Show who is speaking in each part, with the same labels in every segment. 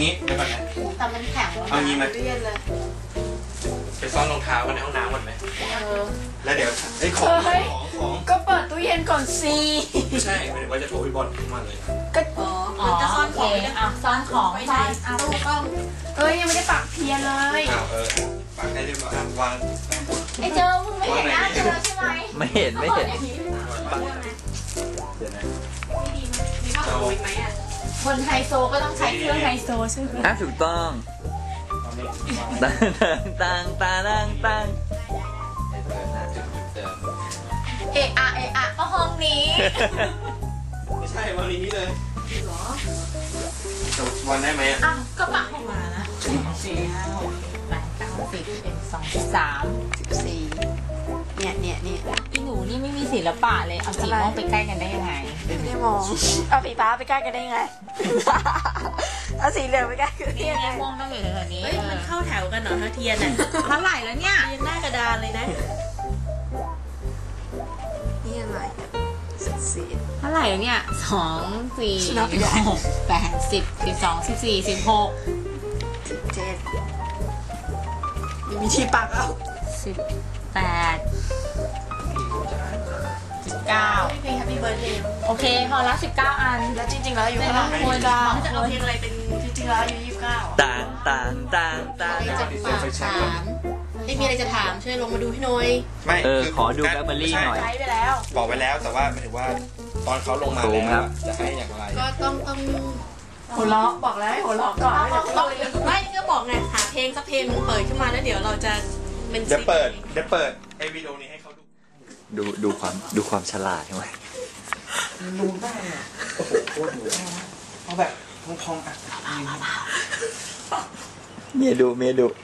Speaker 1: งี้เดี๋ยวก่อนนะ
Speaker 2: แต่มันแข็ง
Speaker 1: เอางี้ไหม
Speaker 2: เรียนเลย
Speaker 1: ไปซ่อนรองเท้ากันในห้องน้ำหมดไหมแล้วเดี๋ยวไอ้ของ
Speaker 2: ก็เปิดตู้เย็นก่อนสิ
Speaker 1: ไม่ใช่หมายถึงว่าจะโทรพี่บอลขึ้นมาเลย
Speaker 2: ก็มันจะซ่อนของ
Speaker 3: ซ่อนของ
Speaker 2: ไว้ไหนตู้กล้องยังไม่ได้ปักเพียนเลย
Speaker 1: ปักได้เรียบร้อยวาง
Speaker 2: ไอ้เจอมึงไม่เห็นหน้าเจอใช่ไหม
Speaker 3: ไม่เห็นเดี๋ยวนะ
Speaker 2: มีผ้าห่มอีกไหมอ่ะคนไฮโซก็ต้องใช้เครื่องไฮโซใช่ไหม
Speaker 3: ถูกต้องตัง
Speaker 2: เอะก็ห้องนี้
Speaker 1: ไม่ใช่วันนี้เลยหรอวันได้ไหม
Speaker 2: ก็ปักให้มานะ
Speaker 3: 4 5 6 7 8 9 10 11 12 13
Speaker 2: 14เนี่ย
Speaker 3: อีหนูนี่ไม่มีศิลปะเลยเอาสีม่วงไปใกล้กันได้ยังไง
Speaker 2: ไม่ได้มองเอาสีฟ้าไปใกล้กันได้ยังไงเอาสีเหลืองไปใกล้กันได้ยังไง
Speaker 3: ม่วงต้องอยู่แถวนี้
Speaker 2: มันเข้าแถวกันเหรอเทียนอ่ะ
Speaker 3: เท่าไหร่แล้วเนี่ย
Speaker 2: ยังหน้ากระดานเลยนะนี่อะไร
Speaker 3: เท่าไหร่แล้วเนี่ย2 4 6 8 10 12 14 16
Speaker 2: 17มีที่ปักเอา
Speaker 3: 18 19
Speaker 2: เพลง Happy Birthday
Speaker 3: โอเคพอละ19อัน
Speaker 2: แล้วจริงๆแล้วอายุเท่าไหร่จะเอาเพลงอะไรเป็นจริงๆแล้วอายุ29
Speaker 3: ต่าง
Speaker 2: ไม่มีอะไรจะถามช่วยลงมาดูให้หน่อย
Speaker 1: ไม่
Speaker 3: ขอดูแบล็คเบอร์รี่หน่อย
Speaker 2: ใช้ไปแล้ว
Speaker 1: บอกไปแล้วแต่ว่าหมายถึงว่าตอนเขาลงมาแล้วจะให้อย่างไร
Speaker 2: ก็ต้องหัวเราะบอกแล้วให้หัวเราะก่อนไม่ก็บอกไงหาเพลงสักเพลงเปิดขึ้นมาแล้วเดี๋ยวเราจะ
Speaker 1: เดี๋ยวเปิดไอ้วิดีโอนี้ให้เขา
Speaker 3: ดูความฉลาดใช่ไหม
Speaker 1: ดูได้โอ้โหโคตรดูเอาแบบพองๆ
Speaker 3: เมียดู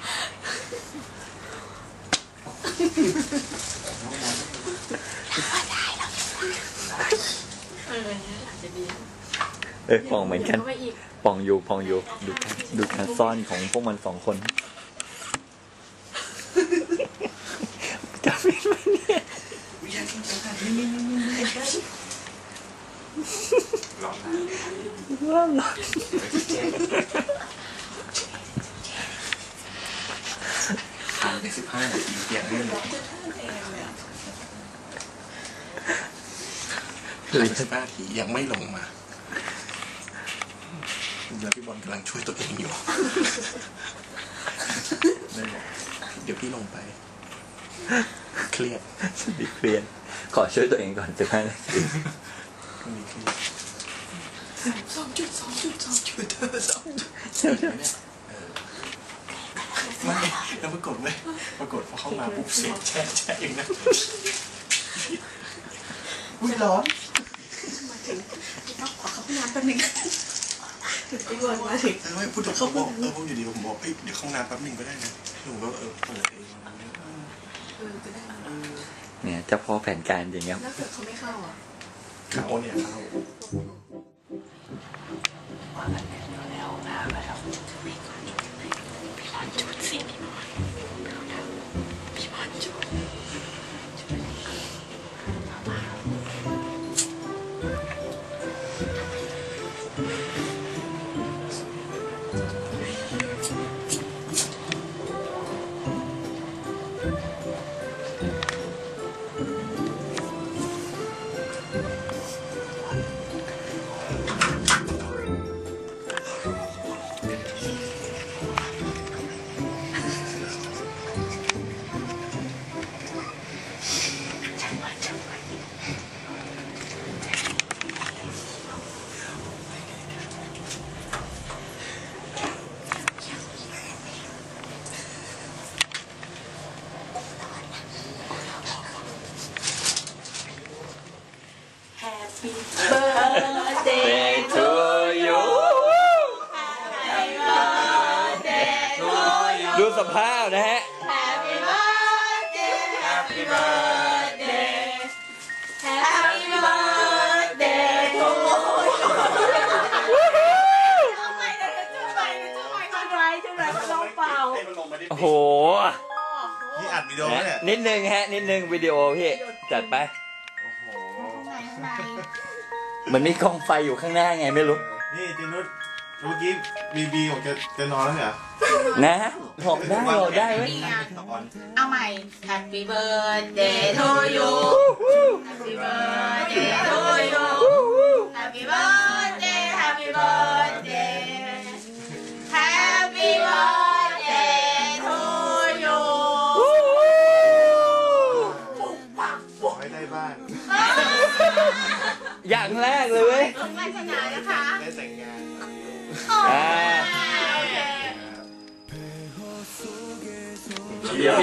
Speaker 3: ปองเหมือนกันปองอยู่ดูการซ่อนของพวกมัน2 คนจะเป็นไหมเนี่ยร้อน
Speaker 1: ผ่านไป15 นาทีเปลี่ยนเรื่อง15 นาทียังไม่ลงมาแล้วพี่บอลกำลังช่วยตัวเองอยู่เดี๋ยวพี่ลงไปเครียด
Speaker 3: ขอช่วยตัวเองก่อน15 นาที
Speaker 1: ไม่แล้วปรากฏพอเข้ามาปุ๊บเสียงแช่เองนะอุ้ยร้อนขอเข้าห้องน้ำแป๊บนึงพี่บอลมาถึงไม่พูดถึงเขาบอกพูดอยู่ดีผมบอกเดี๋ยวเข้าห้องน้ำแป๊บนึงก็ได้นะผมก็เปิดเอง
Speaker 3: เนี่ยเจ้าพ่อแผนการอย่างเงี้ย
Speaker 2: แล้วเกิดเขาไม่เข้าอ่ะ
Speaker 1: เขาเนี่ยเข้า
Speaker 3: ว่ากันอยู่ในห้องน้ำนะครับพี่บอลจุดสิพี่บอลจุด
Speaker 2: Happy birthday to you
Speaker 3: Happy birthday to you ดูสภาพนะฮะ
Speaker 2: Happy birthday Happy birthday Happy birthday to you ทำไมเนี่ยจุดไฟมันลงเปล่า
Speaker 3: โอ้โห
Speaker 1: นี่อัดวิดีโอเนี่ย
Speaker 3: นิดนึงวิดีโอพี่จัดไปมันมีกองไฟอยู่ข้างหน้าไงไม่รู้
Speaker 1: นี่จินุชเมื่อกี้บีบอกจะนอนแล้วเหรอ
Speaker 4: นะบอกได้เว้ย
Speaker 3: เอาใหม่ Happy birthday to you Happy birthday to you Happy birthday Happy birthday Happy birthday to you
Speaker 1: ขอให้ได้บ้าน
Speaker 4: อย่างแรกเลยเว้ย
Speaker 3: ต้องมาชนะนะคะ
Speaker 1: ได้แต่งงาน
Speaker 3: โอเค
Speaker 4: เดี๋ยวพี่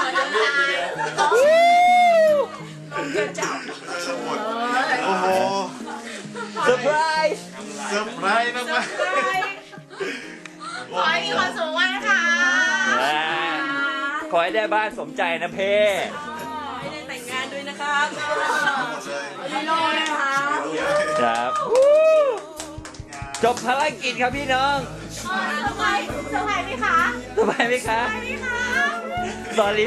Speaker 1: สมุดโอ้โห
Speaker 4: เซอร์ไพรส์
Speaker 1: เซอร์ไพรส์มาก
Speaker 3: ขอให้มีความสุขมากนะคะ
Speaker 4: ขอให้ได้บ้านสมใจนะเพ่
Speaker 2: ให้ได้แต่งงานด้วยนะครับ
Speaker 1: ๆ
Speaker 2: ลีโลนะคะ
Speaker 4: ครับ จบภารกิจครับพี่น้อง
Speaker 3: สบายไหมคะ
Speaker 4: สบายไหมคะ sorry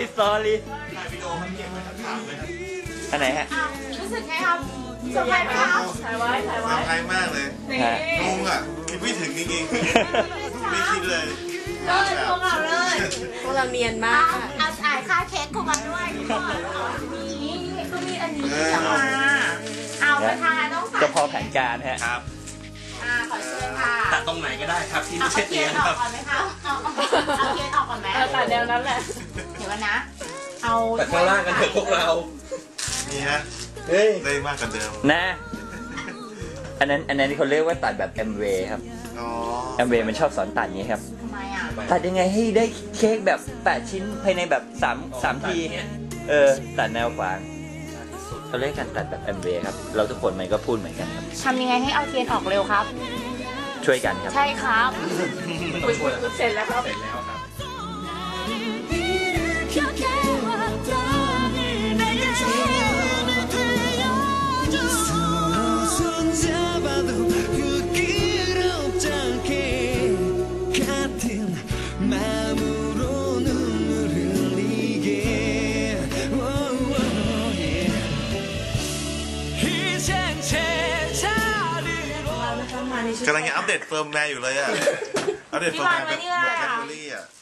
Speaker 4: อันไหนฮะ
Speaker 3: รู้สึกไงครับสบายไหมคะ
Speaker 2: ถ่ายไว้
Speaker 1: เซอร์ไพรส์มากเลย
Speaker 4: ฮะ
Speaker 1: งงอ่ะคิดไม่ถึงจริงๆไม่คิดเลย
Speaker 3: เลยพวกเราเลย
Speaker 2: พวกเราเนียนมาก
Speaker 3: เอาจ่ายค่าเค้กเข้ามาด้วยก่อนนี่ก็มีอันนี้จะมาเอาประธานต้องใส่
Speaker 4: เจ้าพ่อแผนการฮะ
Speaker 1: ครับ
Speaker 3: ขอเชิญค่ะ
Speaker 1: ตัดตรงไหนก็ได้ครับที่
Speaker 3: เอา
Speaker 1: ไม่ใช่
Speaker 3: เที
Speaker 1: เตี
Speaker 3: ย
Speaker 1: ย
Speaker 3: น
Speaker 1: ง
Speaker 3: อ
Speaker 1: ค
Speaker 3: อ
Speaker 1: รั
Speaker 3: ก
Speaker 1: บ
Speaker 3: ก่อนไหมคะเอาเทียนออกก่อนไหม
Speaker 2: ตัดแนวนั้นแหละ
Speaker 3: เดี๋ยวนะ เอา
Speaker 1: ตัดข้างล่างกันเถอะพวกเรานี่ฮะ
Speaker 4: เฮ้ย
Speaker 1: ได้มากกว่าเดิม
Speaker 4: นะ อันนั้นเขาเรียกว่าตัดแบบ MV ครับ
Speaker 1: อ๋อ
Speaker 4: MV มันชอบสอนตัดอย่างนี้ครับ
Speaker 3: ทำไมอ่ะ
Speaker 4: ตัดยังไงให้ได้เค้กแบบ 8 ชิ้นภายในแบบ3ที ตัดแนวขวางเขาเรียกกันตัดแบบ MV ครับ เราทุกคนมันก็พูดเหมือนกันครับ
Speaker 3: ทำยังไงให้เอาเทียนออกเร็วครับ
Speaker 4: ช่วยกันครับ
Speaker 3: ใช่ครับ
Speaker 2: เสร็จแล้วครับ
Speaker 1: กำลังจะอัปเดตเฟิร์มแวร์อยู่เลยอ่ะ อัปเดตเฟิร์มแวร์แบบหมดแคตตาล็อกอ่ะ